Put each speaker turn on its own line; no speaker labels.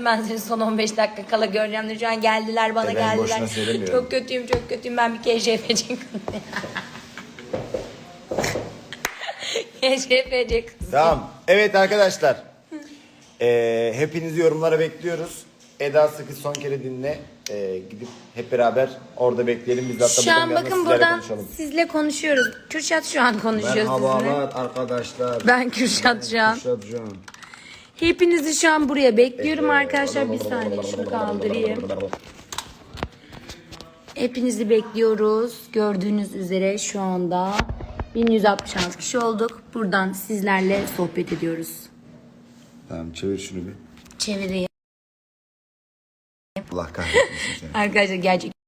söyledim ben seni son 15 dakika kala göreceğim diye. Şu an geldiler bana
Ben
geldiler.
boşuna söylemiyorum.
Çok kötüyüm çok kötüyüm ben bir KJFC kızım. KJFC kızım.
Tamam. Evet arkadaşlar. Hepinizi yorumlara bekliyoruz. Eda Sıkı son kere dinle. Gidip hep beraber orada bekleyelim. Biz de hatta
Şu an
buradan
bakın
sizlerle
buradan
konuşalım.
sizle konuşuyoruz. Kürşat şu an konuşuyor sizinle.
Merhabalar arkadaşlar.
Ben Kürşat şu an.
Kürşat Can.
Hepinizi şu an buraya bekliyorum arkadaşlar. Bir saniye şunu kaldırayım. Hepinizi bekliyoruz. Gördüğünüz üzere şu anda 1166 kişi olduk. Buradan sizlerle sohbet ediyoruz.
Tamam çevir şunu bir.
Çevireyim.
Allah kahretmesin seni.
Arkadaşlar gerçek